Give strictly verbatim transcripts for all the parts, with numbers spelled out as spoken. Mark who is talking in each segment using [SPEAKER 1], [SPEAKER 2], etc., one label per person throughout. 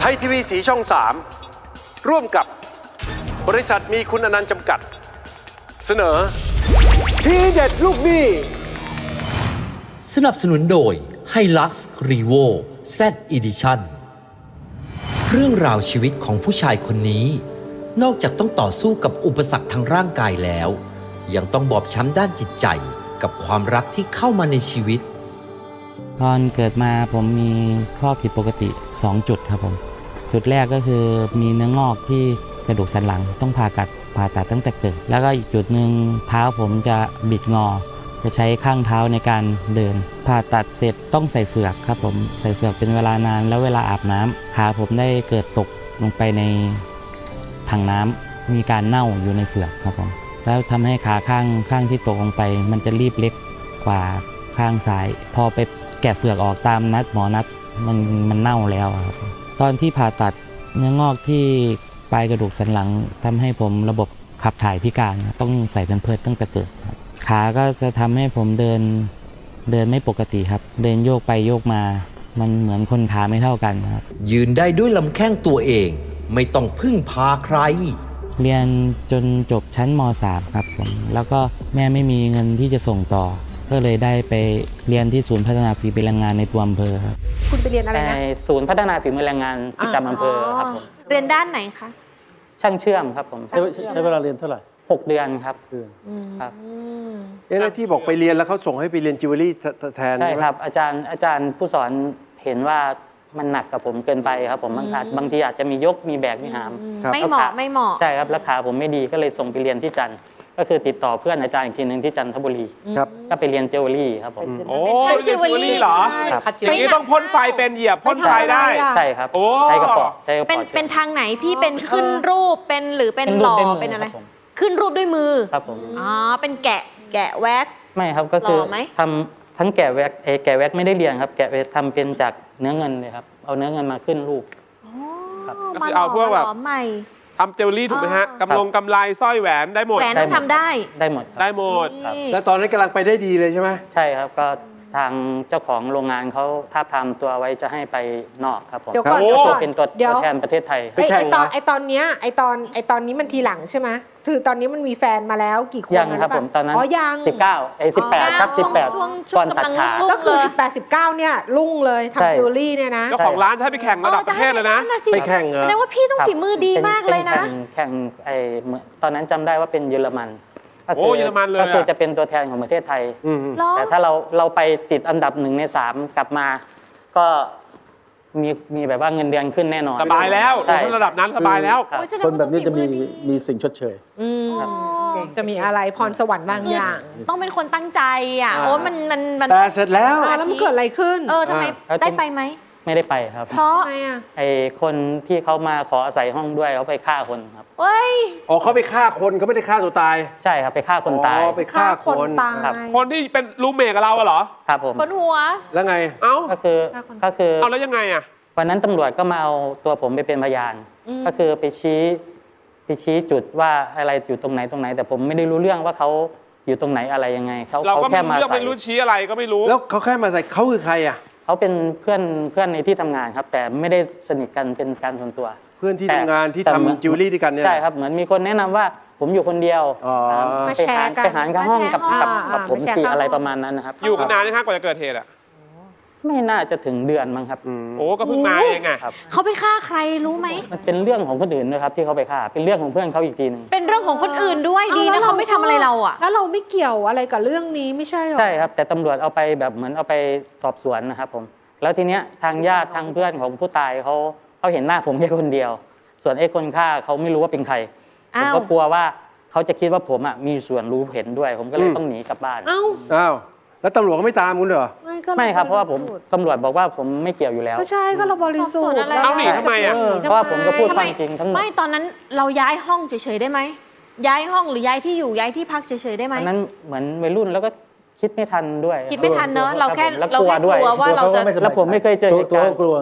[SPEAKER 1] ทยทีวีสีช่อง สามร่วมกับบริษัทมีคุณอนันต์จำกัดเสนอทีเด็ดลูกหนี้
[SPEAKER 2] สนับสนุนโดย Hilux Revo Z Edition เรื่องราวชีวิตของผู้ชายคนนี้นอกจากต้องต่อสู้กับอุปสรรคทางร่างกายแล้วยังต้องบอบช้ำด้านจิตใจกับความรักที่เข้ามาในชีวิต
[SPEAKER 3] ตอนเกิดมาผมมีข้อผิดปกติสองจุดครับผมจุดแรกก็คือมีเนื้องอกที่กระดูกสันหลังต้องผ่าตัดผ่าตัดตั้งแต่เกิดแล้วก็อีกจุดหนึ่งเท้าผมจะบิดงอจะใช้ข้างเท้าในการเดินผ่าตัดเสร็จต้องใส่เฝือกครับผมใส่เฝือกเป็นเวลานานแล้วเวลาอาบน้ำขาผมได้เกิดตกลงไปในถังน้ำมีการเน่าอยู่ในเฝือกครับผมแล้วทำให้ขาข้างข้างที่ตกลงไปมันจะรีบเล็กกว่าข้างซ้ายพอไปแกะเฝือกออกตามนัดหมอนัดมันมันเน่าแล้วครับตอนที่ผ่าตัดเนื้องอกที่ปลายกระดูกสันหลังทำให้ผมระบบขับถ่ายพิการต้องใส่แพมเพิร์สตั้งแต่เกิดขาก็จะทำให้ผมเดินเดินไม่ปกติครับเดินโยกไปโยกมามันเหมือนคนขาไม่เท่ากันครับ
[SPEAKER 2] ยืนได้ด้วยลำแข้งตัวเองไม่ต้องพึ่งพาใคร
[SPEAKER 3] เรียนจนจบชั้นม สาม ครับผมแล้วก็แม่ไม่มีเงินที่จะส่งต่อก็เลยได้ไปเรียนที่ศูนย์พัฒนาฝีมือแรงงานในตัวอำเภอครับ
[SPEAKER 4] คุณไปเรียนอะไรนะ
[SPEAKER 3] ศูนย์พัฒนาฝีมือแรงงานประจำอำเภอครับผม
[SPEAKER 4] เรียนด้านไหนคะ
[SPEAKER 3] ช่างเชื่อมครับผม
[SPEAKER 5] ใช้เวลาเรียนเท่าไหร่
[SPEAKER 3] หกเดือนครับ
[SPEAKER 1] ครับเอ๊ะแล้วที่บอกไปเรียนแล้วเขาส่งให้ไปเรียนจิวเวลรี่แทน
[SPEAKER 3] ใช่ครับอาจารย์อาจารย์ผู้สอนเห็นว่ามันหนักกับผมเกินไปครับผมบางบางทีอาจจะมียกมีแบกมีหาม
[SPEAKER 4] ไม่เหมาะไม่เหมาะ
[SPEAKER 3] ใช่ครับราคาผมไม่ดีก็เลยส่งไปเรียนที่จันทร์ก็คือติดต่อเพื่อนอาจารย์อีกทีหนึ่งที่จันทบุรี
[SPEAKER 1] ครับ
[SPEAKER 3] ก็ไปเรียนจิวเวลรี่ครับผม
[SPEAKER 5] โอ้
[SPEAKER 4] จิวเวลรี่
[SPEAKER 5] เหรออย่างนี้ต้องพ่นไฟเป็นเหยียบพ่นไฟได้
[SPEAKER 3] ใช่ครับใช้กระป๋องใช้กระป๋อง
[SPEAKER 4] เป็นเป็นทางไหนพี่เป็นขึ้นรูปเป็นหรือเป็นหล่อเป็นอะไรขึ้นรูปด้วยมือ
[SPEAKER 3] ครับผม
[SPEAKER 4] อ๋อเป็นแกะแกะแว็กซ์
[SPEAKER 3] ไม่ครับก็คือทำทั้งแกะแว็กเอแกะแว็กไม่ได้เรียนครับแกะทำเป็นจากเนื้อเงินเลยครับเอาเนื้อเงินมาขึ้นรูป
[SPEAKER 5] ก็คือเอาพวกแบบทำเจวเวลรี่ถูกไหมฮะกำลงกำไลสร้อยแหวนได้หมด
[SPEAKER 4] แหวนต้องทำได้
[SPEAKER 3] ได้หมด
[SPEAKER 5] ได้หมด
[SPEAKER 1] แล้วตอนนั้นกำลังไปได้ดีเลยใช่ไหม
[SPEAKER 3] ใช่ครับก็ทางเจ้าของโรงงานเขาท้าทามตัวไว้จะให้ไปนอกครับผม
[SPEAKER 4] เดี๋ยวก่อน
[SPEAKER 3] เป็นตัวแทนประเทศไทย
[SPEAKER 4] ไอตอนไอตอนเนี้ยไอตอนไอตอนนี้มันทีหลังใช่ไหมคือตอนนี้มันมีแฟนมาแล้วกี่คน
[SPEAKER 3] ยังครับผมตอนนั้น
[SPEAKER 4] อ๋อยัง
[SPEAKER 3] สิบเก้าไอสิบแปดครับสิบแปด
[SPEAKER 4] ก่อนตัดขาก็คือสิบแปดสิบเก้าเนี่ยรุ่งเลยทำจิวเวลรี่เนี่ยนะ
[SPEAKER 5] เจ้าของร้านให้ไปแข่งระดับประเทศเลยนะ
[SPEAKER 1] ไปแข่งเหรอ
[SPEAKER 4] แสดงว่าพี่ต้องฝีมือดีมากเลยนะ
[SPEAKER 3] แข่งไอตอนนั้นจำได้ว่าเป็นเยอรมัน
[SPEAKER 5] โอ้เยอรมันเลย
[SPEAKER 3] ก็คือจะเป็นตัวแทนของประเทศไทยแต่ถ้าเราเราไปติดอันดับหนึ่งในสามกลับมาก็มีมีแบบว่าเงินเดือนขึ้นแน่นอน
[SPEAKER 5] สบายแล้วระดับนั้นสบายแล้ว
[SPEAKER 6] คนแบบนี้จะมีมีสิ่งชดเชย
[SPEAKER 4] จะมีอะไรพรสวรรค์บางอย่างต้องเป็นคนตั้งใจอ่ะโอ้มันมันมัน
[SPEAKER 1] แต่เสร็จแล้ว
[SPEAKER 4] แล้วมันเกิดอะไรขึ้นเออทำไมได้ไปไหม
[SPEAKER 3] ไม่ได้ไปครับ
[SPEAKER 4] เพราะ
[SPEAKER 3] ไอ้คนที่เขามาขออาศัยห้องด้วยเขาไปฆ่าคนครับ
[SPEAKER 4] เฮ้ย
[SPEAKER 1] อ๋อเขาไปฆ่าคนเขาไม่ได้ฆ่าตัวตาย
[SPEAKER 3] ใช่ครับไปฆ่าคนตาย
[SPEAKER 1] อ๋อไปฆ่าคน
[SPEAKER 4] ครับ
[SPEAKER 5] คนที่เป็นรูมเมทกับเราเหรอ
[SPEAKER 3] ครับผม
[SPEAKER 4] บนหัว
[SPEAKER 1] แล้วไง
[SPEAKER 5] เอ้า
[SPEAKER 3] ก็คือก็คือ
[SPEAKER 5] เอาแล้วยังไงอ่ะ
[SPEAKER 3] วันนั้นตำรวจก็มาเอาตัวผมไปเป็นพยานก็คือไปชี้ไปชี้จุดว่าอะไรอยู่ตรงไหนตรงไหนแต่ผมไม่ได้รู้เรื่องว่าเขาอยู่ตรงไหนอะไรยังไงเขา
[SPEAKER 5] เขาแค่มาใส่ไม่รู้ชี้อะไรก็ไม่รู้
[SPEAKER 1] แล้วเขาแค่มาใส่เขาคือใครอ่ะ
[SPEAKER 3] เขาเป็นเพื่อนเพื่อนในที่ทำงานครับแต่ไม่ได้สนิทกันเป็นการส่วนตัว
[SPEAKER 1] เพื่อนที่ทำงานที่ทำจิวเวลรี่ด้วยกันเนี่ย
[SPEAKER 3] ใช่ครับเหมือนมีคนแนะนำว่าผมอยู่คนเดียวไปหาไปหากันห้องกับกับผมสี่อะไรประมาณนั้นนะครับ
[SPEAKER 5] อยู่กันนานไหมครับกว่าจะเกิดเหตุอ่ะ
[SPEAKER 3] ไม่น่าจะถึงเดือนมั้งครับ
[SPEAKER 5] โอ้ก็เพิ่งมาเองไง
[SPEAKER 4] เขาไปฆ่าใครรู้ไหม
[SPEAKER 3] มันเป็นเรื่องของคนอื่นนะครับที่เขาไปฆ่าเป็นเรื่องของเพื่อนเขาอีกทีนึง
[SPEAKER 4] เป็นเรื่องของคนอื่นด้วยดีนะเขาไม่ทำอะไรเราอ่ะแล้วเราไม่เกี่ยวอะไรกับเรื่องนี้ไม่ใช่หรอ
[SPEAKER 3] ใช่ครับแต่ตำรวจเอาไปแบบเหมือนเอาไปสอบสวนนะครับผมแล้วทีเนี้ยทางญาติทางเพื่อนของผู้ตายเขาเขาเห็นหน้าผมแค่คนเดียวส่วนไอ้คนฆ่าเขาไม่รู้ว่าเป็นใครผมก็กลัวว่าเขาจะคิดว่าผมอ่ะมีส่วนรู้เห็นด้วยผมก็เลยต้องหนีกลับบ้าน
[SPEAKER 4] อ้าว
[SPEAKER 1] อ้าวแล้วตำรวจก็ไม่ตามคุณเหรอ
[SPEAKER 3] ไม่ครับเพราะว่าผมตำรวจบอกว่าผมไม่เกี่ยวอยู่แล้ว
[SPEAKER 4] ก็ใช่ก็เราบริสุทธิ์
[SPEAKER 5] เอาหนีทำไมอ่ะ
[SPEAKER 3] เพราะว่าผมก็พูดความจริงทั้งหมด
[SPEAKER 4] ไม่ตอนนั้นเราย้ายห้องเฉยๆได้ไหมย้ายห้องหรือย้ายที่อยู่ย้ายที่พักเฉยๆได้ไหม
[SPEAKER 3] ตอนนั้นเหมือนวัยรุ่นแล้วก็คิดไม่ทันด้วย
[SPEAKER 4] คิดไม่ทันเนอะเราแค่เราแค่กลัวว่าเราจะ
[SPEAKER 3] แล้วผมไม่เคยเจอเหตุการณ์
[SPEAKER 6] กลัว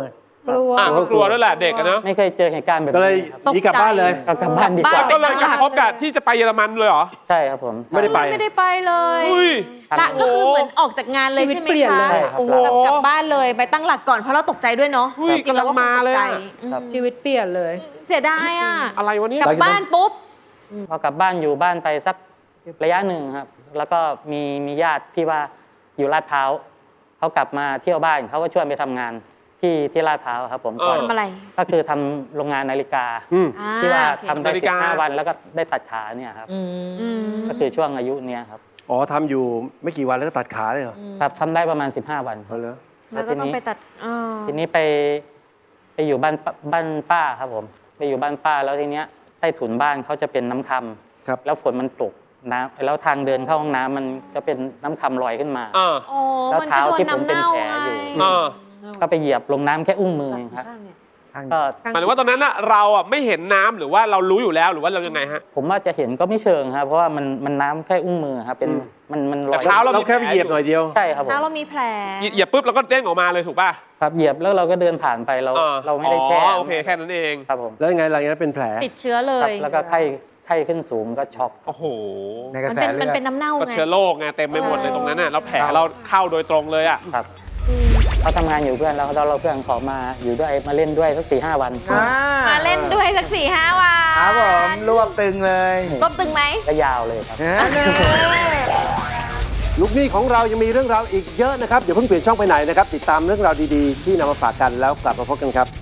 [SPEAKER 4] กลัว
[SPEAKER 5] อ่ะก็กลัวด้วยแหละเด็กอะเนาะ
[SPEAKER 3] ไม่เคยเจอเหตุการณ์แบบ
[SPEAKER 1] ก็เลย
[SPEAKER 3] นี้ครับ
[SPEAKER 1] หนีกลับบ้านเลย
[SPEAKER 3] ก็กลับบ้านดีกว่า
[SPEAKER 4] บ้าน
[SPEAKER 5] ก็เลยจะพบกับที่จะไปเยอรมันเลยเหรอ
[SPEAKER 3] ใช่ครับผม
[SPEAKER 1] ไม่ได้ไป
[SPEAKER 4] ไม่ได้ไปเลย
[SPEAKER 5] อุ้ย
[SPEAKER 4] ละก็คือเหมือนออกจากงานเลย
[SPEAKER 7] ชีวิต
[SPEAKER 4] ใช่ไหม
[SPEAKER 7] เปลี่ยน
[SPEAKER 4] คะ
[SPEAKER 7] เลย
[SPEAKER 3] ใช่ครับ
[SPEAKER 4] โอ้โหแบบกลับบ้านเลยไปตั้งหลักก่อนเพราะเราตกใจด้วยเนาะ
[SPEAKER 5] อุ้ย
[SPEAKER 4] จริงๆเราก็
[SPEAKER 5] กำลังมาเลย
[SPEAKER 4] ตกใจ
[SPEAKER 5] อะ
[SPEAKER 4] อืม
[SPEAKER 3] ครับ
[SPEAKER 7] ชีวิตเปลี่ยนเลย
[SPEAKER 4] เสียดายอ่ะ
[SPEAKER 5] อะไรวะเนี่ย
[SPEAKER 4] กลับบ้านปุ๊บ
[SPEAKER 3] พอกลับบ้านอยู่บ้านไปสักระยะหนึ่งครับ แล้วก็มีมีญาติที่ว่าอยู่ลาดพร้าวเขากลับมาเที่ยวบ้านเขาก็ชวนไปทำงานที่ที่ลาดพร้าวครับผมก่อน
[SPEAKER 5] เออ
[SPEAKER 4] ทำอะไร
[SPEAKER 3] ก็คือทำโรงงานนาฬิกา
[SPEAKER 1] อืม
[SPEAKER 4] อ่า
[SPEAKER 3] ที่ว่า
[SPEAKER 4] โอเค
[SPEAKER 3] ทำได้
[SPEAKER 5] นาฬิ
[SPEAKER 3] สิ
[SPEAKER 5] กา
[SPEAKER 3] บห้าวันแล้วก็ได้ตัดขาเนี่ยครับ
[SPEAKER 7] อืม
[SPEAKER 4] อืม
[SPEAKER 3] ก็คือช่วงอายุเนี้ยครับ
[SPEAKER 1] อ๋อทำอยู่ไม่กี่วันแล้วก็ตัดขาเลยเหรอ
[SPEAKER 3] ครับทำได้ประมาณสิบห้าวัน
[SPEAKER 1] เอาเลย
[SPEAKER 4] แล้วก็ต้องไปตัดอ่า
[SPEAKER 3] ทีนี้ไปไปอยู่บ้านป้าบ้านป้าครับผมไปอยู่บ้านป้าแล้วทีเนี้ยใต้ถุนบ้านเขาจะเป็นน้ำคำ
[SPEAKER 1] ครับ
[SPEAKER 3] แล้วฝนมันตกน้ำแล้วทางเดินเข้าห้องน้ำมันก็เป็นน้ำคำลอยขึ้นมา
[SPEAKER 5] อ่า
[SPEAKER 4] โอ้
[SPEAKER 3] แล้ว
[SPEAKER 4] มัน
[SPEAKER 3] เท้า
[SPEAKER 4] จะโดน
[SPEAKER 3] ที่ผม
[SPEAKER 4] น้ำ
[SPEAKER 3] เป็น
[SPEAKER 4] เน่า
[SPEAKER 3] แผล
[SPEAKER 4] ไง
[SPEAKER 3] อยู่
[SPEAKER 5] อ่า
[SPEAKER 3] ก็ไปเหยียบลงน้ำแค่อุ้งมือเองครับก็
[SPEAKER 5] หมายถึงว่าตอนนั้นอะเราอะไม่เห็นน้ำหรือว่าเรารู้อยู่แล้วหรือว่าเรายังไงฮะ
[SPEAKER 3] ผมว่าจะเห็นก็ไม่เชิงครับเพราะว่ามันมันน้ำแค่อุ้งมือครับเป็นมันมันล
[SPEAKER 5] แต่
[SPEAKER 3] อย
[SPEAKER 5] เท้าเรา
[SPEAKER 1] เราแค่ไปเหยียบหน่อยเดียว
[SPEAKER 3] ใช่ครับผม
[SPEAKER 4] ถ้าเรามีแผล
[SPEAKER 5] เหยียบปุ๊บเราก็เด้งออกมาเลยถูกป่ะ
[SPEAKER 3] ครับเหยียบแล้วเราก็เดินผ่านไปเรา
[SPEAKER 5] อ่
[SPEAKER 3] เราไม่ได้แช่
[SPEAKER 5] อ๋อโอเคแค่นั้นเอง
[SPEAKER 3] ครับผม
[SPEAKER 1] แล้วยังไงหลังจากนั้นเป็นแผล
[SPEAKER 4] ติดเชื้อเล
[SPEAKER 3] ครับ
[SPEAKER 4] ย
[SPEAKER 3] แล้วก็ไข้ไข้ขึ้นสูงก็ช็อก
[SPEAKER 5] โอ้โห
[SPEAKER 8] ในกระ
[SPEAKER 4] มัน
[SPEAKER 8] แส
[SPEAKER 4] เป็น
[SPEAKER 8] เลื
[SPEAKER 4] มัน
[SPEAKER 8] อด
[SPEAKER 4] เป็นน้ำเน่า
[SPEAKER 5] ก็
[SPEAKER 4] ไง
[SPEAKER 5] เชื้อโรคไงเต็มไปหมดเลยตรงนั้นน่ะแล้วแผลเราเข้าโดยตรงเลยอะ
[SPEAKER 3] ครับเขาทำงานอยู่เพื่อนแล้วเราเราเพื่อนขอมาอยู่ด้วยมาเล่นด้วยสักสี่ห้าวัน
[SPEAKER 8] อ่า
[SPEAKER 4] มาเล่นด้วยสักสี่ห้าวั
[SPEAKER 8] ครับ
[SPEAKER 4] น
[SPEAKER 8] ผมรวบตึงเลย
[SPEAKER 4] รวบตึงไหม
[SPEAKER 3] ก็ยาวเลยครับ
[SPEAKER 8] อ่าเนี่ย
[SPEAKER 1] ลูกหนี้ของเรายังมีเรื่องราวอีกเยอะนะครับ เดี๋ยวเพิ่งเปลี่ยนช่องไปไหนนะครับ ติดตามเรื่องราวดีๆ ที่นำมาฝากกันแล้วกลับมาพบกันครับ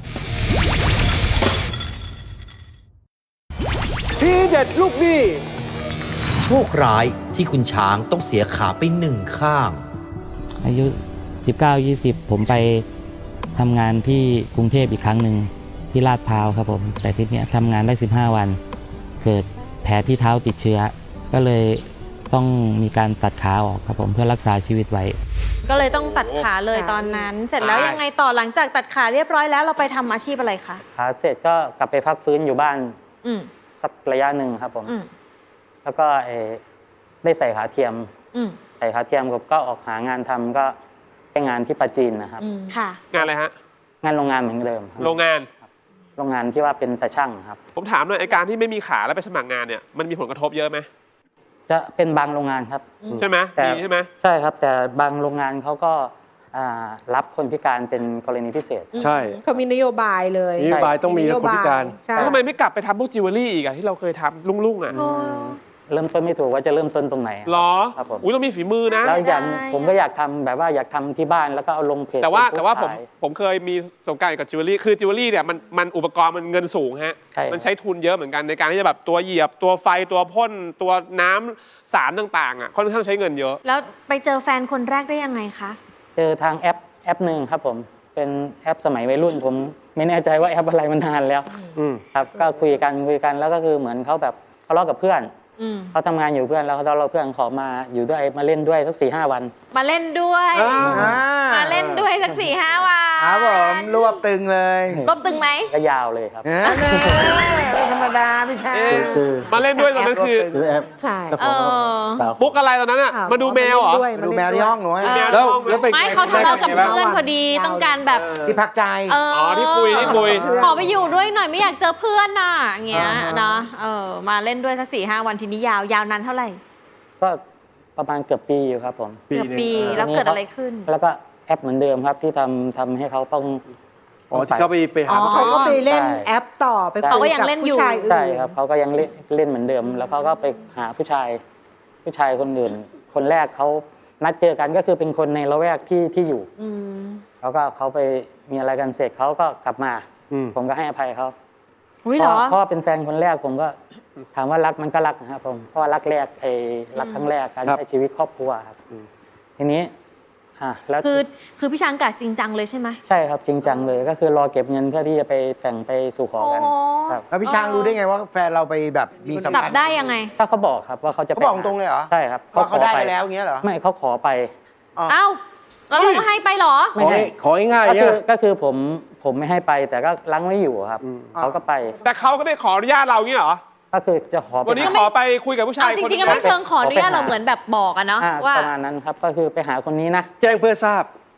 [SPEAKER 1] ทีเด็ดลูกหนี้
[SPEAKER 2] โชคร้ายที่คุณช้างต้องเสียขาไปหนึ่งข้าง
[SPEAKER 3] อายุ สิบเก้า ยี่สิบ ผมไปทำงานที่กรุงเทพอีกครั้งหนึ่งที่ลาดพร้าวครับผม แต่ที่เนี้ยทำงานได้สิบห้าวัน เกิดแผลที่เท้าติดเชื้อ ก็เลยต้องมีการตัดขาออกครับผมเพื่อรักษาชีวิตไว้
[SPEAKER 4] ก็เลยต้องตัดขาเลยตอนนั้น เสร็จแล้วยังไงต่อหลังจากตัดขาเรียบร้อยแล้วเราไปทำอาชีพอะไรคะ
[SPEAKER 3] ขาเสร็จก็กลับไปพักฟื้นอยู่บ้าน
[SPEAKER 4] อืม
[SPEAKER 3] สักระยะหนึ่งครับผม
[SPEAKER 4] อืม
[SPEAKER 3] แล้วก็เอ่อได้ใส่ขาเทียม
[SPEAKER 4] อืม
[SPEAKER 3] ใส่ขาเทียมก็ออกหางานทำก็ไปงานที่ปาจีนนะครับ
[SPEAKER 4] ค่ะ
[SPEAKER 5] งานอะไรฮะ
[SPEAKER 3] งานโรงงานเหมือนเดิมครับ
[SPEAKER 5] โรงงาน
[SPEAKER 3] โรงงานที่ว่าเป็นตาช่างครับ
[SPEAKER 5] ผมถามหน่อยไอการที่ไม่มีขาแล้วไปสมัครงานเนี่ยมันมีผลกระทบเยอะไหม
[SPEAKER 3] จะเป็นบางโรงงานครับ
[SPEAKER 5] ใช่ไหม
[SPEAKER 3] แต่
[SPEAKER 5] มีใช่ไหม
[SPEAKER 3] ใช่ครับ แต่บางโรงงานเขาก็อ่ารับคนพิการเป็นกรณีพิเศษ
[SPEAKER 1] ใช่
[SPEAKER 7] เขามีนโยบายเลย
[SPEAKER 1] นโยบายต้องมีคนพิการ
[SPEAKER 7] ใช่
[SPEAKER 5] แล้วทำไมไม่กลับไปทำพวกจิวเวลรี่อีกอะที่เราเคยทำลุ่งๆอะ
[SPEAKER 3] เริ่มต้นไม่ถูกว่าจะเริ่มต้นตรงไหน
[SPEAKER 5] หรอ
[SPEAKER 3] ครับผม
[SPEAKER 5] อุ้ยต้องมีฝีมือนะ
[SPEAKER 3] แล้วอย่าง
[SPEAKER 4] ได้
[SPEAKER 3] ผมก็อยากทำแบบว่าอยากทำที่บ้านแล้วก็เอาลงเพจ
[SPEAKER 5] แต่ว่า
[SPEAKER 3] Facebook
[SPEAKER 5] แต่ว่าผม
[SPEAKER 3] ขย
[SPEAKER 5] ผมเคยมีประสบการณ์กับจิวเวลรี่คือจิวเวลรี่เนี่ยมันมันอุปกรณ์มันเงินสูงฮะ
[SPEAKER 3] ใช่
[SPEAKER 5] มันใช้ทุนเยอะเหมือนกันในการที่จะแบบตัวเหยียบตัวไฟตัวพ่นตัวน้ำสารต่างๆอ่ะค่อนข้างใช้เงินเยอะ
[SPEAKER 4] แล้วไปเจอแฟนคนแรกได้ยังไงคะ
[SPEAKER 3] เจอทางแอปแอปหนึ่งครับผมเป็นแอปสมัยวัยรุ่น ผมไม่แน่ใจว่าแอปอะไรมันนานแล้ว
[SPEAKER 1] อืม
[SPEAKER 3] ครับก็คุยกันคุยกันแล้วก็คือเหมือนเขาแบบทะเลาะกับเพื่อน
[SPEAKER 4] อืม
[SPEAKER 3] เขาทำงานอยู่เพื่อนแล้วเขาเราเพื่อนขอมาอยู่ด้วยมาเล่นด้วยสักสี่ห้าวัน
[SPEAKER 4] มาเล่นด้วย
[SPEAKER 1] อ่า
[SPEAKER 8] อ่า
[SPEAKER 4] มาเล่นด้วยสักสี่ห้าวั
[SPEAKER 8] ครับผ
[SPEAKER 4] น
[SPEAKER 8] มรวบตึงเลย
[SPEAKER 4] รวบตึงไหม
[SPEAKER 3] ก็ยาวเลยครับ
[SPEAKER 8] อ่าเนี่ยไม่ธรรมดาพี่ชาย
[SPEAKER 5] เอ๊ะ
[SPEAKER 1] คือ
[SPEAKER 5] มาเล่นด้วยตอนนั้นคือ
[SPEAKER 1] คือแอป
[SPEAKER 7] ใช่
[SPEAKER 1] แล้วของ
[SPEAKER 4] เออ
[SPEAKER 1] สาว
[SPEAKER 5] ปุ๊กอะไรตอนนั้นอ่ะ
[SPEAKER 7] อ่ะ
[SPEAKER 5] มาดูแมวเหรอ
[SPEAKER 7] าล่น
[SPEAKER 8] มา
[SPEAKER 7] ด้วย
[SPEAKER 8] ดูแมวที่ห้องหนูให้
[SPEAKER 4] เออ
[SPEAKER 1] แล้วแล้วไป
[SPEAKER 4] ไม่เขาทะเลาะกับเพื่อนพอดีต้องการแบบ
[SPEAKER 8] ที่พักใจ
[SPEAKER 4] เออ
[SPEAKER 5] อ๋อที่คุยที่คุย
[SPEAKER 4] ขอไปอยู่ด้วยหน่อยไม่อยากเจอเพื่อนน่ะอย่างเงี้ยเนาะเออมาเล่นด้วยสักสี่ห้าวันทีนี้ยาวยาวนานเท่าไหร่
[SPEAKER 3] ก็ประมาณเกือบปีอยู่ครับผม
[SPEAKER 4] เกือบปี
[SPEAKER 1] หนึ่ง
[SPEAKER 4] แล้วเกิดอะไรขึ้น
[SPEAKER 3] แล้วก็แอปเหมือนเดิมครับที่ทำทำให้เขาต้อง
[SPEAKER 1] อ๋อที่เขาไปไป
[SPEAKER 7] อ๋
[SPEAKER 1] หา
[SPEAKER 7] อ
[SPEAKER 1] ผู้ชา
[SPEAKER 7] เขา
[SPEAKER 1] ย
[SPEAKER 7] ก็ไปเล่น
[SPEAKER 3] ใช่
[SPEAKER 7] แอปต่อไป
[SPEAKER 3] เขา
[SPEAKER 7] คุ
[SPEAKER 4] ก็
[SPEAKER 7] ย
[SPEAKER 4] ยัง
[SPEAKER 7] กับ
[SPEAKER 4] เล่นอยู่
[SPEAKER 7] ผู้ชายอื่น
[SPEAKER 3] ใช่ครับเขาก็ยังเล่นเล่นเหมือนเดิม แล้วเขาก็ไปหาผู้ชาย ผู้ชายคนอื่น คนแรกเขานัดเจอกันก็คือเป็นคนในละแวกที่ที่อยู่
[SPEAKER 7] อืม
[SPEAKER 3] แล้วก็เขาไปมีอะไรกันเสร็จเขาก็กลับมา
[SPEAKER 1] อืม
[SPEAKER 3] ผมก็ให้อภัยเขา
[SPEAKER 4] อุ้ย
[SPEAKER 3] เพ
[SPEAKER 4] เหรอ
[SPEAKER 3] ราะเพราะว่าเป็นแฟนคนแรกผมก็ถามว่ารักมันก็รักนะครับผมเพราะว่ารักแรกไอ้รักครั้งแรกการ
[SPEAKER 1] ครับ
[SPEAKER 3] ใช้ชีวิตครอบครัวครับ
[SPEAKER 1] อืม
[SPEAKER 3] ทีนี้อ่ะแล้ว
[SPEAKER 4] คือคือพี่ช้างกะจริงจังเลยใช่ไหม
[SPEAKER 3] ใช่ครับจริงจังเลยก็คือรอเก็บเงินเพื่อที่จะไปแต่งไปสู่ขอกัน
[SPEAKER 4] โอ้
[SPEAKER 3] ครับ
[SPEAKER 8] แล้วพี่ช้างรู้ได้ไงว่าแฟนเราไปแบบมีสัม
[SPEAKER 4] จับ
[SPEAKER 8] พันธ์
[SPEAKER 4] ได้ยังไง
[SPEAKER 3] ถ้าเขาบอกครับว่าเขาจะ
[SPEAKER 8] เขาบอกตรงเลยเหรอ
[SPEAKER 3] ใช่ครับ
[SPEAKER 8] ว่าเขา
[SPEAKER 3] ขอ
[SPEAKER 8] ได้
[SPEAKER 3] ป
[SPEAKER 8] กันแล้วอย่างเงี้ยเหรอ
[SPEAKER 3] ไม่เขาขอไป
[SPEAKER 8] อ๋อ
[SPEAKER 4] เอ้าแล้วเราก็ให้ไปเหรอ
[SPEAKER 1] ขอให้ขอให้ง่าย
[SPEAKER 3] ก็
[SPEAKER 1] เนี่
[SPEAKER 3] คื
[SPEAKER 1] ย
[SPEAKER 3] อก็คือผมผมไม่ให้ไปแต่ก็ลังไม่อยู่ครับ
[SPEAKER 1] อืม
[SPEAKER 3] เขาก็ไป
[SPEAKER 5] แต่เขาก็ได้ขออนุญาตเราอย่างงี้เหรอ
[SPEAKER 3] ก็คือจะขอไป
[SPEAKER 5] วันนี้
[SPEAKER 3] หา
[SPEAKER 5] ขอไปคุยกับผู้ชา
[SPEAKER 4] เอา
[SPEAKER 5] ย
[SPEAKER 4] จ
[SPEAKER 5] คน
[SPEAKER 4] ริงๆก็
[SPEAKER 5] นึ
[SPEAKER 4] ไม่
[SPEAKER 5] ง
[SPEAKER 4] เชิงขออนุญาต
[SPEAKER 3] ขอไปหา
[SPEAKER 4] เราเหมือนแบบบอกอะเนาะ
[SPEAKER 3] อ่า
[SPEAKER 4] ว่า
[SPEAKER 3] ประมาณนั้นครับก็คือไปหาคนนี้นะ
[SPEAKER 1] แจ้งเพื่อทราบ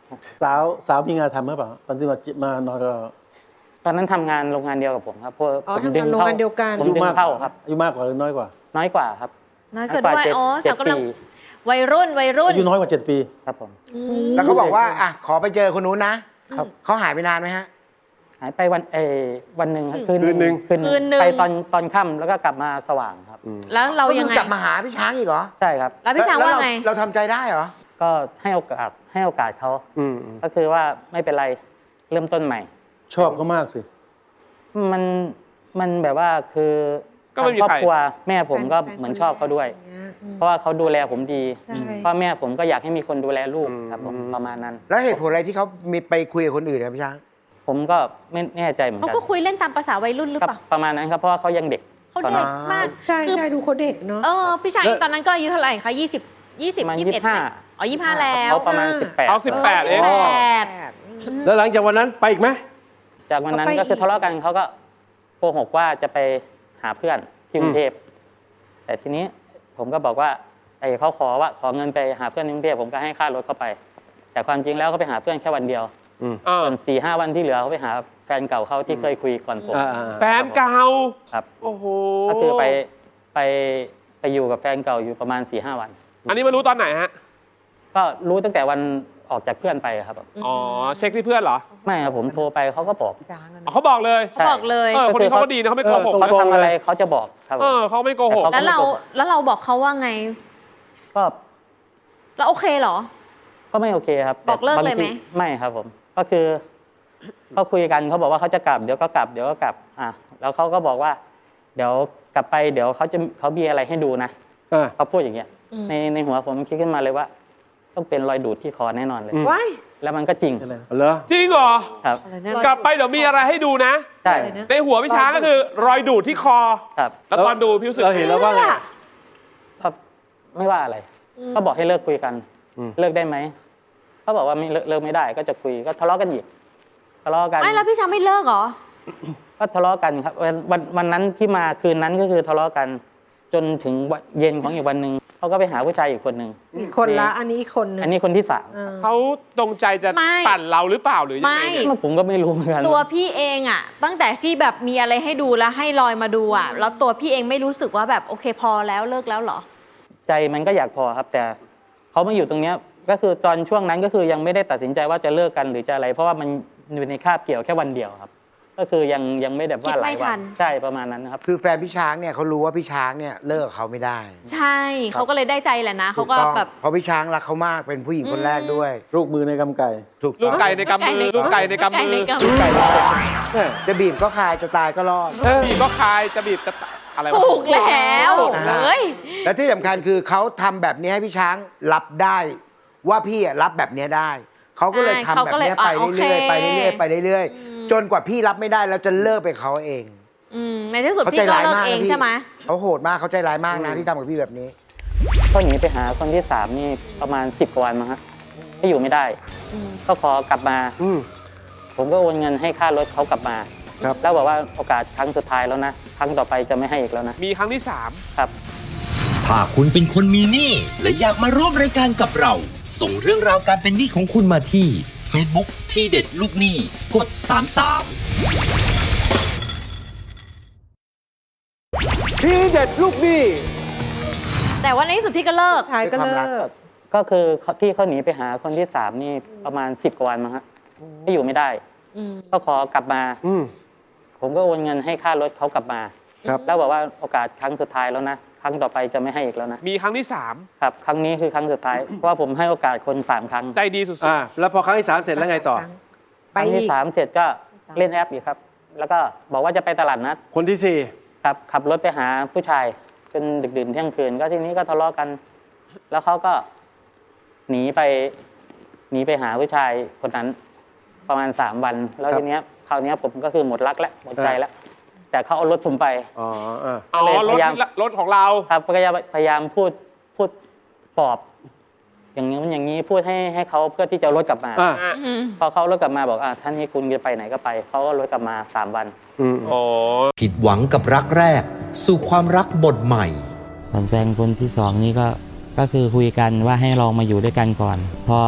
[SPEAKER 6] สาวสาวมีงานทำหรือเปล่าตอนที่มามานอนกับเรา
[SPEAKER 9] ตอนนั้นทำงานโรงงานเดียวกับผมครับเพราะ
[SPEAKER 7] อ๋อ
[SPEAKER 9] ผม
[SPEAKER 7] ทำ
[SPEAKER 9] ดึ
[SPEAKER 7] งาน
[SPEAKER 9] ง
[SPEAKER 7] โรง
[SPEAKER 9] เข้า
[SPEAKER 7] งานเดียวกัน
[SPEAKER 9] ผมดึงเข้าครับ
[SPEAKER 6] อายุมากกว่าหรือน้อยกว่า
[SPEAKER 9] น้อยกว่าครับ
[SPEAKER 4] น้อยเกิดด้วย
[SPEAKER 9] เจ็
[SPEAKER 4] อ๋อ
[SPEAKER 9] เจ็
[SPEAKER 4] สาวกำลัง
[SPEAKER 9] ปี
[SPEAKER 4] วัยรุ่นวัยรุ่น
[SPEAKER 6] อายุน้อยกว่าเจ็ดปี
[SPEAKER 9] ครับผม
[SPEAKER 8] แล้วเขาบอกว่าอ่ะขอไปเจอคนนู้นนะครับ เขาหายไปนานไหมฮะ
[SPEAKER 9] หายไปวันเออวันหนึ่งครับคืน
[SPEAKER 1] คืนหนึ่ง
[SPEAKER 9] คืนห
[SPEAKER 4] คืนหนึ่ง
[SPEAKER 9] ไปตอนตอนค่ำแล้วก็กลับมาสว่างครับ
[SPEAKER 4] แล้วเรา
[SPEAKER 8] ก็
[SPEAKER 4] ยั
[SPEAKER 8] คื
[SPEAKER 4] ง
[SPEAKER 8] อ
[SPEAKER 4] ไง
[SPEAKER 8] กลับมาหาพี่ช้างอีกเหรอ
[SPEAKER 9] ใช่ครับ
[SPEAKER 4] แล้วพี่ช้าง
[SPEAKER 8] แล้ว
[SPEAKER 4] ว่า
[SPEAKER 8] เร
[SPEAKER 4] ไง
[SPEAKER 8] เราทำใจได้เหรอ
[SPEAKER 9] ก็ให้โอกาสให้โอกาสเขา
[SPEAKER 1] อืม
[SPEAKER 9] ก็คือว่าไม่เป็นไรเริ่มต้นใหม่
[SPEAKER 6] ชอบเขามากสิ
[SPEAKER 9] มันมันแบบว่าคือ
[SPEAKER 5] ก็ไม่มี
[SPEAKER 9] ครอบ
[SPEAKER 5] ใคร
[SPEAKER 9] ครัวแม่ผมก็
[SPEAKER 7] แฟน
[SPEAKER 9] เหมือนชอบเขาด้วย
[SPEAKER 7] อย่างเงี้ยอืม
[SPEAKER 9] เพราะว่าเขาดูแลผมดี
[SPEAKER 7] ใช่
[SPEAKER 9] เพราะแม่ผมก็อยากให้มีคนดูแลลูกครับผมประมาณนั้น
[SPEAKER 8] แล้วเหตุผลอะไรที่เขามีไปคุยกับคนอื่นครับพี่ช้าง
[SPEAKER 9] ผมก็ไม่แน่ใจเหมือน
[SPEAKER 4] เขา
[SPEAKER 9] กัน
[SPEAKER 4] ก็คุยเล่นตามภาษาวัยรุ่นหรือ
[SPEAKER 9] ครับ
[SPEAKER 4] เปล่า
[SPEAKER 9] ประมาณนั้นครับเพราะว่าเขายังเด็ก
[SPEAKER 4] เขา
[SPEAKER 9] ตอน
[SPEAKER 4] เด็
[SPEAKER 9] นั้น
[SPEAKER 4] กมาก
[SPEAKER 7] ใช่
[SPEAKER 4] คือ
[SPEAKER 7] ใช่ดูเขาเด็กเนาะ
[SPEAKER 4] เออพี่ชาย
[SPEAKER 1] แล้ว
[SPEAKER 4] ตอนนั้นก็อายุเท่าไหร่คะยี่สิบยี่สิบ
[SPEAKER 9] ประมาณ
[SPEAKER 4] ยี่สิบเอ็ด
[SPEAKER 9] ยี่สิบห้า
[SPEAKER 4] อ๋อยี่สิบห้าแล้ว
[SPEAKER 9] เขาประมาณสิบแปด
[SPEAKER 5] เอาสิบแปดเอง
[SPEAKER 4] สิบแปด
[SPEAKER 1] แล้วหลังจากวันนั้นไปอีกไหม
[SPEAKER 9] จากวันนั้น
[SPEAKER 7] เขาไป
[SPEAKER 9] ก็คือ
[SPEAKER 7] อีก
[SPEAKER 9] ทะเลาะกันเขาก็โกหกว่าจะไปหาเพื่อนที่กรุงเทพแต่ทีนี้ผมก็บอกว่าไอ้เขาขอว่าขอเงินไปหาเพื่อนที่กรุงเทพผมก็ให้ค่ารถเขาไป แต่ความจริงแล้วเขาไปหาเพื่อนแค่วันเดียว
[SPEAKER 5] เออ
[SPEAKER 9] ส่วนสี่ห้าวันที่เหลือเขาไปหาแฟนเก่าเขาที่เคยคุยก่อนผม
[SPEAKER 1] อ่า
[SPEAKER 5] แฟนเก่า
[SPEAKER 9] ครับ
[SPEAKER 5] โอ้โห
[SPEAKER 9] ก็คือไปไปไปอยู่กับแฟนเก่าอยู่ประมาณสี่ห้าวัน
[SPEAKER 5] อันนี้มารู้ตอนไหนฮะ
[SPEAKER 9] ก็รู้ตั้งแต่วันออกจากเพื่อนไปครับ
[SPEAKER 5] อ๋อ เช็คที่เพื่อนเหรอ
[SPEAKER 9] ไม่ครับผมโทรไปเขาก็บอก
[SPEAKER 5] อ๋อเขาบอกเลย
[SPEAKER 4] เขาบอกเลย
[SPEAKER 5] เออ คนนี้เขาก็ดีนะเขาไม่โกหก
[SPEAKER 9] เขาทำอะไรเขาจะบอกครับผม
[SPEAKER 5] เออเขาไม่โกหก
[SPEAKER 9] แต่
[SPEAKER 4] แล้วเราแล้วเราบอกเขาว่าไง
[SPEAKER 9] ก็
[SPEAKER 4] แล้วโอเคเหรอ
[SPEAKER 9] ก็ไม่โอเคครับ
[SPEAKER 4] บอกเลิกเลยไหม
[SPEAKER 9] บางทีไม่ครับผม ก็คือก็คุยกันเขาบอกว่าเขาจะกลับเดี๋ยวก็กลับเดี๋ยวก็กลับอ่ะแล้วเขาก็บอกว่า เดี๋ยวกลับไปเดี๋ยวเขาจะเขามีอะไรให้ดูนะ
[SPEAKER 1] อ่า
[SPEAKER 9] เขาพูดอย่างเงี้ย
[SPEAKER 7] อืม
[SPEAKER 9] ในในหัวผมคิดขึ้นมาเลยว่า ต้องเป็นรอยดูดที่คอแน่นอนเลย
[SPEAKER 1] อืม
[SPEAKER 7] ว้าย
[SPEAKER 9] แล้วมันก็จริง
[SPEAKER 6] อะไร
[SPEAKER 1] เหรอ
[SPEAKER 5] จริงเหรอ
[SPEAKER 9] ครับ
[SPEAKER 5] กลับไปเดี๋ยวมีอะไรให้ดูนะ
[SPEAKER 9] ใช่
[SPEAKER 5] ในหัวพี่ช้างก็คือ รอยดูดที่คอ
[SPEAKER 9] ครับ
[SPEAKER 5] แล้วตอนดูพี่รู้สึก
[SPEAKER 1] เราเห็นแล้วว่าไง
[SPEAKER 9] ก็ไม่ว่าอะไร ก็บอกให้เลิกคุยกัน
[SPEAKER 1] อืม
[SPEAKER 9] เลิกได้ไหมเขาบอกว่าไม่เลิกเลิกไม่ได้ ก็จะคุยก็ทะเลาะกันอีกทะเลาะกัน
[SPEAKER 4] ไม่แล้วพี่ช้างไม่เลิกเหรอ
[SPEAKER 9] ก็ทะเลาะกันครับวันวันวันนั้นที่มาคืนนั้นก็คือทะเลาะกัน จนถึงวันเย็นของอีกวันหนึ่งเขาก็ไปหาผู้ชายอีกคนหนึ่ง
[SPEAKER 7] อีกคนละอันนี้อีกคนหนึง
[SPEAKER 9] อันนี้คนที่สาม
[SPEAKER 7] เออ
[SPEAKER 5] เขาตรงใจจะ
[SPEAKER 4] ไม่
[SPEAKER 5] ปั่นเราหรือเปล่าหรือยังไงเนี่ย
[SPEAKER 4] ไม่
[SPEAKER 9] ผมก็ไม่รู้เหมือนกัน
[SPEAKER 4] ตัวพี่เองอะตั้งแต่ที่แบบมีอะไรให้ดูแล้วให้ลอยมาดูอะแล้วตัวพี่เองไม่รู้สึกว่าแบบโอเคพอแล้วเลิกแล้วเหรอ
[SPEAKER 9] ใจมันก็อยากพอครับ แต่เขามาอยู่ตรงเนี้ยก็คือตอนช่วงนั้นก็คือยังไม่ได้ตัดสินใจว่าจะเลิกกันหรือจะอะไร เพราะว่ามันอยู่ในคาบเกี่ยวแค่วันเดียวครับ ก็คือยังยังไม่แบบว่าหลาย
[SPEAKER 4] คิดไม่ทั
[SPEAKER 9] วัน นใช่ประมาณนั้นนะครับ
[SPEAKER 8] คือแฟนพี่ช้างเนี่ยเขารู้ว่าพี่ช้างเนี่ยเลิกกับเขาไม่ได้
[SPEAKER 4] ใช่เขาก็เลยได้ใจแหละนะเขาก็
[SPEAKER 8] ถูต้อง
[SPEAKER 4] แบบ
[SPEAKER 8] เพราะพี่ช้างรักเขามากเป็นผู้หญิงคนแรกด้วย
[SPEAKER 6] ลูกมือในกำไก่
[SPEAKER 8] ถูก
[SPEAKER 5] ลู
[SPEAKER 8] ต้
[SPEAKER 5] ก
[SPEAKER 8] อง
[SPEAKER 5] ไก่ในกำมือ ลูกไก่ในกำมือ
[SPEAKER 4] ลูกไก่ในกำมือ
[SPEAKER 8] จะบีบก็คายจะตายก็รอด
[SPEAKER 5] บีบก็คายจะบีบจะตะอะไรวะ
[SPEAKER 4] ถูกแล้ว
[SPEAKER 8] อ่า
[SPEAKER 4] เฮ้ย
[SPEAKER 8] และที่สำคัญคือเขาทำแบบนี้ให้พี่ช้างรับได้ ว่าพี่อะรับแบบนี้ได้เขาก็เลย
[SPEAKER 4] ใช่
[SPEAKER 8] ทำ
[SPEAKER 4] เขา
[SPEAKER 8] แบบ
[SPEAKER 4] ก็เลย
[SPEAKER 8] นี้ไป
[SPEAKER 4] อ่ะโอเค
[SPEAKER 8] เรื่อยๆไปเรื่อยๆไปเรื่อยๆจนกว่าพี่รับไม่ได้แล้วจะเลิกไปเขาเอง
[SPEAKER 4] อืมในที่สุด
[SPEAKER 8] เขา
[SPEAKER 4] พี่
[SPEAKER 8] ใจ
[SPEAKER 4] ก็
[SPEAKER 8] ร้าย
[SPEAKER 4] เลิก
[SPEAKER 8] มาก
[SPEAKER 4] เอง
[SPEAKER 8] นะพี่
[SPEAKER 4] ใช่ไหม
[SPEAKER 8] เขาโหดมากเขาใจร้ายมากนะที่ทำกับพี่แบบนี้
[SPEAKER 9] ก็หนีไปหาคนที่สามนี่ประมาณสิบกว่าวันมั้งครับที่อยู่ไม่ได้ ก็ขอกลับมา
[SPEAKER 1] อืม
[SPEAKER 9] ผมก็โอนเงินให้ค่ารถเขากลับมา
[SPEAKER 1] ครับ
[SPEAKER 9] แล้วบอกว่าโอกาสครั้งสุดท้ายแล้วนะครั้งต่อไปจะไม่ให้อีกแล้วนะ
[SPEAKER 5] มีครั้งที่สาม
[SPEAKER 9] ครับ
[SPEAKER 2] ถ้าคุณเป็นคนมีหนี้และอยากมาร่วมรายการกับเรา ส่งเรื่องราวการเป็นหนี้ของคุณมาที่ Facebook ที่เด็ดลูกหนี้กดสามสาม
[SPEAKER 1] ทีเด็ดลูกหนี้
[SPEAKER 4] แต่ว่าในที่สุดพี่ก็เลิก
[SPEAKER 7] ท้ายก็เลิ
[SPEAKER 8] ด้วยความรั
[SPEAKER 7] ก
[SPEAKER 8] ก
[SPEAKER 9] ก็คือเขาที่เขาหนีไปหาคนที่สามนี่ประมาณสิบกว่าวันมั้งครับที่อยู่ไม่ได้
[SPEAKER 7] อืม
[SPEAKER 9] ก็ขอกลับมา
[SPEAKER 1] อืม
[SPEAKER 9] ผมก็โอนเงินให้ค่ารถเขากลับมา
[SPEAKER 1] ครับ
[SPEAKER 9] แล้วบอกว่าโอกาสครั้งสุดท้ายแล้วนะครั้งต่อไปจะไม่ให้อีกแล้วนะ
[SPEAKER 5] มีครั้งที่สาม
[SPEAKER 9] ครับครั้งนี้คือครั้งสุดท้าย เพราะว่าผมให้โอกาสคนสามครั้ง
[SPEAKER 5] ใจดีสุด
[SPEAKER 1] อ่า แล้วพอครั้งที่สามเสร็จแล้วไงต่อ
[SPEAKER 9] ค
[SPEAKER 7] ไป
[SPEAKER 9] รั้ง
[SPEAKER 7] อี
[SPEAKER 9] ที่
[SPEAKER 7] ก
[SPEAKER 9] สามเสร็จก็เล่นแอปอีกครับ แล้วก็บอกว่าจะไปตลาดนัด
[SPEAKER 1] คนที่สี่
[SPEAKER 9] ครับขับรถไปหาผู้ชายจนดึกดื่นเที่ยงคืน ก็ทีนี้ก็ทะเลาะกัน แล้วเขาก็หนีไปหนีไปหาผู้ชายคนนั้น ประมาณสามวัน แล้วทีเนี้ยคราวเนี้ยผมก็คือหมดรักแล้วหมดใจแล้ว แต่เขาเอารถผมไป
[SPEAKER 1] อ๋ออ่า
[SPEAKER 5] ๆ อ๋อ รถ
[SPEAKER 9] พยายาม
[SPEAKER 5] รถของเรา
[SPEAKER 9] ครับก็จะพยายามพูดพูดปลอบ อย่างนี้อย่างนี้พูดให้ให้เขาเพื่อที่จะเอารถกลับมา
[SPEAKER 1] อ่า
[SPEAKER 4] อืม
[SPEAKER 9] พอเขาเอารถกลับมาบอกอ่ะท่านนี้คุณจะไปไหนก็ไปเขาก็รถกลับมาสามวัน
[SPEAKER 1] อืม
[SPEAKER 5] อ๋อ
[SPEAKER 2] ผิดหวังกับรักแรก สู่ความรักบทใหม่
[SPEAKER 3] ส่วนแฟนคนที่สองนี่ก็ก็คือคุยกันว่าให้ลองมาอยู่ด้วยกันก่อน พอ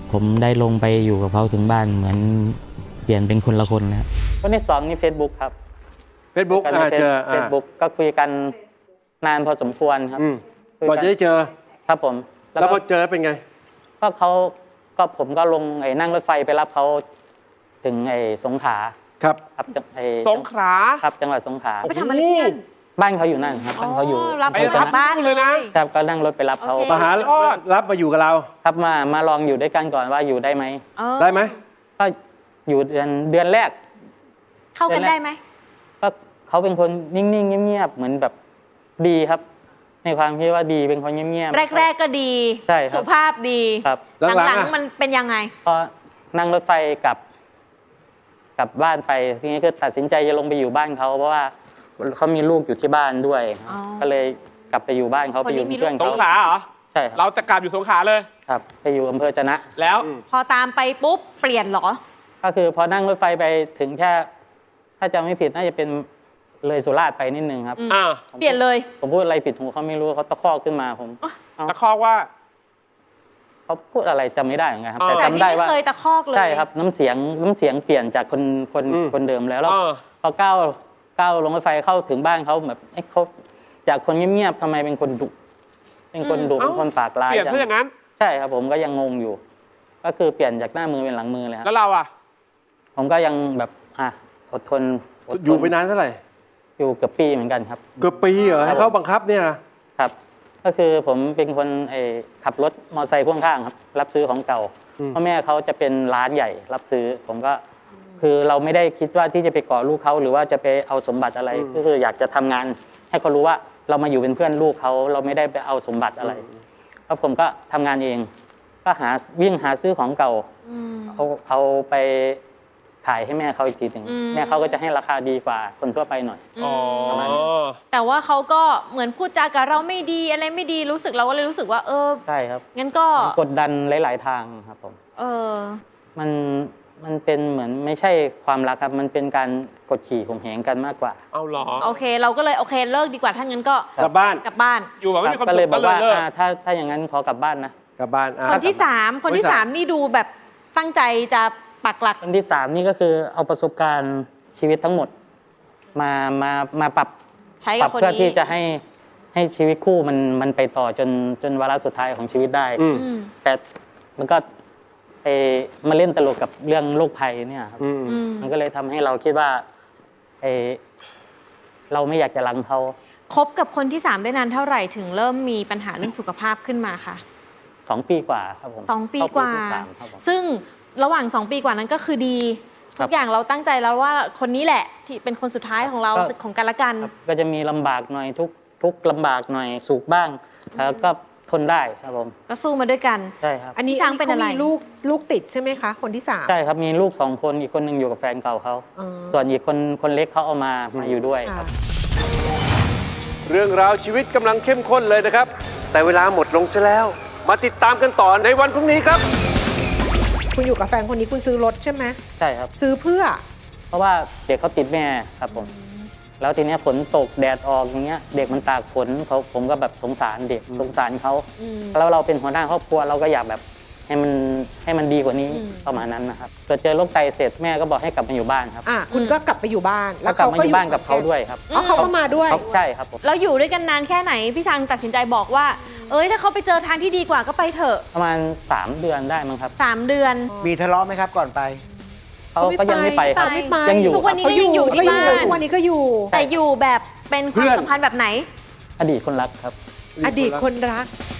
[SPEAKER 3] ผมได้ลงไปอยู่กับเขาถึงบ้านเหมือนเปลี่ยนเป็นคนละคนแล้ว
[SPEAKER 9] คนที่สองนี่ Facebook ครับ
[SPEAKER 1] Facebook
[SPEAKER 9] กัน
[SPEAKER 1] อ่า
[SPEAKER 9] ใน
[SPEAKER 1] เจอ
[SPEAKER 9] เฟซบุ๊กก็คุยกันนานพอสมควรครับ
[SPEAKER 1] อืม
[SPEAKER 9] คุย
[SPEAKER 1] ก่อน
[SPEAKER 9] กั
[SPEAKER 1] จะได้เจอ
[SPEAKER 9] ครับผม
[SPEAKER 1] แล้วพอเจอเป็นไง
[SPEAKER 9] ก็เขาก็ผมก็ลงไอ้นั่งรถไฟไปรับเขาถึงไอ้สงขลา
[SPEAKER 1] ครับ
[SPEAKER 9] ครับจังไอ้
[SPEAKER 5] สงขลา
[SPEAKER 9] ครับจังหวัดสงขลา
[SPEAKER 4] ไปทำอะไรที่นั่น
[SPEAKER 9] บ้านเขาอยู่นั่นครับบ้านเขาอยู่
[SPEAKER 4] รับ
[SPEAKER 5] ไป
[SPEAKER 4] ไป
[SPEAKER 5] รั
[SPEAKER 4] จา
[SPEAKER 5] บ
[SPEAKER 4] กบ้าน
[SPEAKER 5] เลยนะ
[SPEAKER 9] ครับก็นั่งรถไปรับเขา
[SPEAKER 4] โอเค
[SPEAKER 1] มาหารับมาอยู่กับเรา
[SPEAKER 9] ครับมามาลองอยู่ด้วยกันก่อนว่าอยู่ได้ไหม
[SPEAKER 4] เออ
[SPEAKER 1] ได้ไหม
[SPEAKER 9] ก็อยู่เดือนเดือนแรก
[SPEAKER 4] เข้ากันได้ไหม
[SPEAKER 9] ก็เขาเป็นคนนิ่งๆเงียบๆเหมือนแบบดีครับ ในความคิดว่าดีเป็นคนเงียบๆ
[SPEAKER 4] แรก ๆ ก็ดี
[SPEAKER 9] ใช่ครับ
[SPEAKER 4] สุภาพดี
[SPEAKER 9] ครับ
[SPEAKER 1] หลัง
[SPEAKER 4] หลัง
[SPEAKER 1] ๆอะ
[SPEAKER 4] ๆมันเป็นยังไง
[SPEAKER 9] พอนั่งรถไฟกลับกลับบ้านไปทีนี้ก็ตัดสินใจจะลงไปอยู่บ้านเขาเพราะว่าเขามีลูกอยู่ที่บ้านด้วย
[SPEAKER 4] อ๋อ
[SPEAKER 9] ก็เลยกลับไปอยู่บ้านเขา
[SPEAKER 4] คน
[SPEAKER 9] ไปอยู่
[SPEAKER 4] นี้มี
[SPEAKER 9] เป็นเพื่อน
[SPEAKER 5] ส
[SPEAKER 9] เขา
[SPEAKER 5] งขลาเหรอ
[SPEAKER 9] ใช่ครับ
[SPEAKER 5] เราจะกลับอยู่สงขลาเลย
[SPEAKER 9] ครับไปอยู่อำเภอจะนะ
[SPEAKER 5] แล้ว
[SPEAKER 4] พอตามไปปุ๊บเปลี่ยนเหรอ
[SPEAKER 9] ก็คือพอนั่งรถไฟไปถึงแค่ถ้าจำไม่ผิดน่าจะเป็นเลยสุราษฎร์ไปนิดนึงครับ
[SPEAKER 4] อืม
[SPEAKER 5] อ่า
[SPEAKER 4] เปลี่ยนเลย
[SPEAKER 9] ผมพูดอะไรผิดหูเขาไม่รู้เขาตะคอกขึ้นมาผมเอ้า
[SPEAKER 5] ตะคอกว่า
[SPEAKER 9] เขาพูดอะไรจำไม่ได้เหมือนกันครับ
[SPEAKER 5] อ๋อ
[SPEAKER 9] แต่
[SPEAKER 4] จาก
[SPEAKER 9] จำ
[SPEAKER 4] ที่
[SPEAKER 9] ได้
[SPEAKER 4] ไม่
[SPEAKER 9] ว่า
[SPEAKER 4] เคยตะคอกเลย
[SPEAKER 9] ใช่ครับน้ำเสียงน้ำเสียงเปลี่ยนจากคนคน
[SPEAKER 1] อืม
[SPEAKER 9] คนเดิมแล้วแล้ว
[SPEAKER 5] เออ
[SPEAKER 9] พอก้าวก้าวลงรถไฟเข้าถึงบ้านเขาแบบเอ้เขาจากคนเงียบๆทำไมเป็นคนดุเป็นคนดุ
[SPEAKER 5] เอ้า
[SPEAKER 9] เป็นคนปากร้าย
[SPEAKER 5] เปลี่ยน
[SPEAKER 9] จัง
[SPEAKER 5] ซะอย่างนั้น
[SPEAKER 9] ใช่ครับผมก็ยังงงอยู่ ก็คือเปลี่ยนจากหน้ามือเป็นหลังมือเลยค
[SPEAKER 5] แล้
[SPEAKER 9] รับ
[SPEAKER 5] วเราอ่ะ
[SPEAKER 9] ผมก็ยังแบบอ่ะอดทนดทน
[SPEAKER 1] อยู่ไปนานเท่าไหร่
[SPEAKER 9] อยู่เกือบปีเหมือนกันครับ
[SPEAKER 1] เกือบปีเหรอให้เขาบังคับเนี่ยนะครับ
[SPEAKER 9] ก็คือผมเป็นคนไอ้ขับรถมอเตอร์ไซค์พ่วงข้างครับ รับซื้อของเก่าพ่อแม่เขาจะเป็นร้านใหญ่รับซื้อ ผมก็คือเราไม่ได้คิดว่าที่จะไปก่อลูกเขาหรือว่าจะไปเอาสมบัติอะไร ก็คืออยากจะทำงาน ให้เขารู้ว่าเรามาอยู่เป็นเพื่อนลูกเขาเราไม่ได้ไปเอาสมบัติอะไรแล้วผมก็ทำงานเอง ก็หาวิ่งหาซื้อของเก่า
[SPEAKER 4] อืม
[SPEAKER 9] เอาเอาไปขายให้แม่เขาอีกทีหนึ่ง
[SPEAKER 4] อืม
[SPEAKER 9] แม่เขาก็จะให้ราคาดีกว่าคนทั่วไปหน่อย
[SPEAKER 5] อ๋อ
[SPEAKER 4] แต่ว่าเขาก็เหมือนพูดจากับเราไม่ดีอะไรไม่ดีรู้สึกเราก็เลยรู้สึกว่า เออ
[SPEAKER 9] ใช่ครับ
[SPEAKER 4] งั้นก็
[SPEAKER 9] มันกดดันหลาย ๆ ทางครับผม
[SPEAKER 4] เออ
[SPEAKER 9] มันมันเป็นเหมือนไม่ใช่ความรักครับ มันเป็นการกดขี่ข่มเหงกันมากกว่า
[SPEAKER 5] เอาเหรอ
[SPEAKER 4] โอเค เราก็เลยโอเคเลิกดีกว่าถ้างั้นก็
[SPEAKER 1] กลับบ้าน
[SPEAKER 4] กลับบ้าน
[SPEAKER 5] อยู่แบบไม่มีความ
[SPEAKER 9] ก็
[SPEAKER 5] สุ
[SPEAKER 9] เลย
[SPEAKER 5] ข
[SPEAKER 9] บ
[SPEAKER 5] ก็
[SPEAKER 9] อก
[SPEAKER 5] เลย
[SPEAKER 9] ว่า
[SPEAKER 5] เลิก
[SPEAKER 9] อ่าถ้าถ้าอย่างนั้นขอกลับบ้านนะ
[SPEAKER 1] กลับบ้านอ่ะ
[SPEAKER 4] คนที่สามคนที่สามนี่ดูแบบตั้งใจจะปักหลัก
[SPEAKER 9] อันที่สามนี่ก็คือเอาประสบการณ์ชีวิตทั้งหมด มามามาปรับ
[SPEAKER 4] ใช้
[SPEAKER 9] ป
[SPEAKER 4] กั
[SPEAKER 9] รั
[SPEAKER 4] บบ คน
[SPEAKER 9] เพื่อ
[SPEAKER 4] นี้
[SPEAKER 9] ที่จะให้ให้ชีวิตคู่มันมันไปต่อจนจนวาระสุดท้ายของชีวิตได้
[SPEAKER 1] อืม
[SPEAKER 4] อืม
[SPEAKER 9] แต่มันก็เออมาเล่นตลกกับเรื่องโรคภัยเนี่ยครับ
[SPEAKER 1] อืม
[SPEAKER 4] อืม
[SPEAKER 9] มันก็เลยทำให้เราคิดว่าเออเราไม่อยากจะรังเขา
[SPEAKER 4] คบกับคนที่สามได้นานเท่าไหร่ถึงเริ่มมีปัญหาเรื่องสุขภาพขึ้นมาค่ะ
[SPEAKER 9] สองปีกว่าครับผม
[SPEAKER 4] สองปี
[SPEAKER 9] เข้
[SPEAKER 4] กว่า
[SPEAKER 9] ที่สามครับผม
[SPEAKER 4] ซึ่งระหว่างสองปีกว่านั้นก็คือดี
[SPEAKER 9] ครั
[SPEAKER 4] ทุ
[SPEAKER 9] บ
[SPEAKER 4] กอย่างเราตั้งใจแล้วว่าคนนี้แหละที่เป็นคนสุดท้ายของเรา
[SPEAKER 9] ก็
[SPEAKER 4] ของกันและกัน
[SPEAKER 9] ครับก็จะมีลำบากหน่อยทุกทุกลำบากหน่อยสุขบ้างแล้วก็ทนได้ครับผม
[SPEAKER 4] ก็สู้มาด้วยกัน
[SPEAKER 9] ใช่ครับ
[SPEAKER 7] อันนี้
[SPEAKER 4] พี่ช้างเป็นอะไร
[SPEAKER 7] ขามีลูกลูกติดใช่ไหมคะ คนที่สาม
[SPEAKER 9] ใช่ครับมีลูกสองคนอีกคนหนึ่งอยู่กับแฟนเก่าเขา
[SPEAKER 7] อ๋อ
[SPEAKER 9] ส่วนอีกคนคนเล็กเขาเอามามาอยู่ด้วยค
[SPEAKER 7] ค่ะ
[SPEAKER 9] รับ
[SPEAKER 1] เรื่องราวชีวิตกำลังเข้มข้นเลยนะครับ แต่เวลาหมดลงซะแล้ว มาติดตามกันต่อในวันพรุ่งนี้ครับ
[SPEAKER 7] คุณอยู่กับแฟนคนนี้คุณซื้อรถใช่ไหม
[SPEAKER 9] ใช่ครับ
[SPEAKER 7] ซื้อเพื่อ
[SPEAKER 9] เพราะว่าเด็กเขาติดแม่ครับผมแล้วทีเนี้ยฝนตกแดดออกอย่างเงี้ยเด็กมันตากฝนเขาผมก็แบบสงสารเด็กสงสารเขา
[SPEAKER 4] อืม
[SPEAKER 9] แล้วเราเป็นหัวหน้าครอบครัวเราก็อยากแบบให้มันให้มันดีกว่านี้
[SPEAKER 4] อืม
[SPEAKER 9] ประมาณนั้นนะครับเกิดเจอโรคไตเสร็จแม่ก็บอกให้กลับมาอยู่บ้านครับ
[SPEAKER 7] อ่ะคุณก็กลับไปอยู่บ้าน
[SPEAKER 9] แล้วกลับมาอยู่บ้านกับเขาด้วยครับ
[SPEAKER 7] อ๋อเขาก็มาด้วย
[SPEAKER 9] เขาใช่ครับผม
[SPEAKER 4] แล้วอยู่ด้วยกันนานแค่ไหน พี่ช้างตัดสินใจบอกว่า เอ้ยถ้าเขาไปเจอทางที่ดีกว่าก็ไปเถอะ
[SPEAKER 9] ประมาณสามเดือนได้มั้งครับ
[SPEAKER 4] สามเดือน
[SPEAKER 8] มีทะเลาะไหมครับก่อนไป
[SPEAKER 9] เขาก็ยังไม่ไปครับ
[SPEAKER 7] ไม่ไป
[SPEAKER 9] ยังอยู่
[SPEAKER 4] ทุกวันนี้
[SPEAKER 9] ครับ
[SPEAKER 4] ก็ยังอยู่ที่บ้าน
[SPEAKER 7] ทุกวันนี้ก็อยู่
[SPEAKER 4] แต่อยู่แบบเป็นความสัมพันธ์แบบไหน
[SPEAKER 9] อดีตคนรักครับ
[SPEAKER 7] อดีตคนรัก